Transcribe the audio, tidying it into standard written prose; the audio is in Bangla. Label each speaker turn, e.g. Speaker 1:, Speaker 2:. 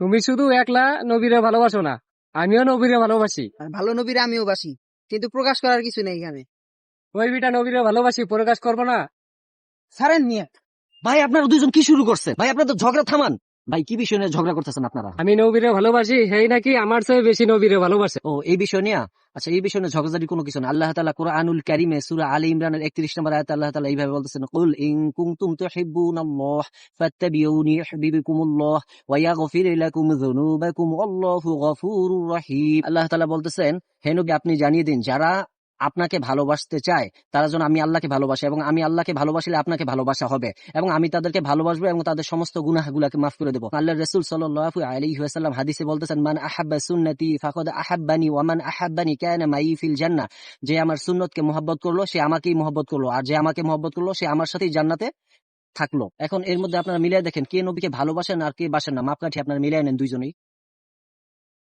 Speaker 1: তুমি শুধু একলা নবীরে ভালোবাসো না, আমিও নবীরে ভালোবাসি।
Speaker 2: আর ভালো নবীর আমিও বাসি, কিন্তু প্রকাশ করার কিছু নেই এখানে।
Speaker 1: ওই বিটা নবীরে ভালোবাসি, প্রকাশ করবো না?
Speaker 2: ছাড়েন মিয়া।
Speaker 3: ভাই আপনারা দুজন কি শুরু করছে? ভাই আপনারা তো ঝগড়া থামান। ভাই কি বিষয় নিয়ে ঝগড়া করতেছেন আপনারা?
Speaker 1: আমি নবীরে ভালোবাসি, সেই নাকি আমার চেয়ে বেশি নবীরে ভালোবাসে।
Speaker 3: ও এই বিষয় নিয়ে, আচ্ছা এই বিষয় নিয়ে ঝগড়াঝাটি কোনো কিছু না। আল্লাহ তাআলা কুরআনুল কারীমে সূরা আলী ইমরানের 31 নম্বর আয়াতে আল্লাহ তাআলা এইভাবে বলতেছেন, কুল ইন কুনতুম তুহিব্বুনাল্লাহ ফাত্তাবিউনি ইউহিব্বুকুমুল্লাহ ওয়া ইয়াগফির লাকুম যুনুবাকুম আল্লাহু গফুরুর রহিম। আল্লাহ তাআলা বলতেছেন, হে নবী আপনি জানিয়ে দিন যারা আপনাকে ভালোবাসতে চায় তারা যেন আমি আল্লাহকে ভালোবাসে, এবং আমি আল্লাহকে ভালোবাসলে আপনাকে ভালোবাসা হবে, এবং আমি তাদেরকে ভালোবাসবো এবং তাদের সমস্ত গুনাহগুলোকে মাফ করে দেবো। আল্লাহর রাসূল সাল্লাল্লাহু আলাইহি ওয়াসাল্লাম হাদিসে বলতেছেন, মান আহাব্বা সুন্নতি ফাকাদ আহাব্বানি ওয়া মান আহাব্বানি কানা মাই ফিল জান্নাহ। যে আমার সুন্নতকে মহব্বত করলো সে আমাকেই মহব্বত করলো, আর যে আমাকে মহব্বত করলো সে আমার সাথেই জান্নাতে থাকলো। এখন এর মধ্যে আপনারা মিলিয়ে দেখেন কে নবীকে ভালোবাসেন আর কে বাসেন না, মাপকাঠি আপনারা মিলিয়ে নেন দুইজনেই।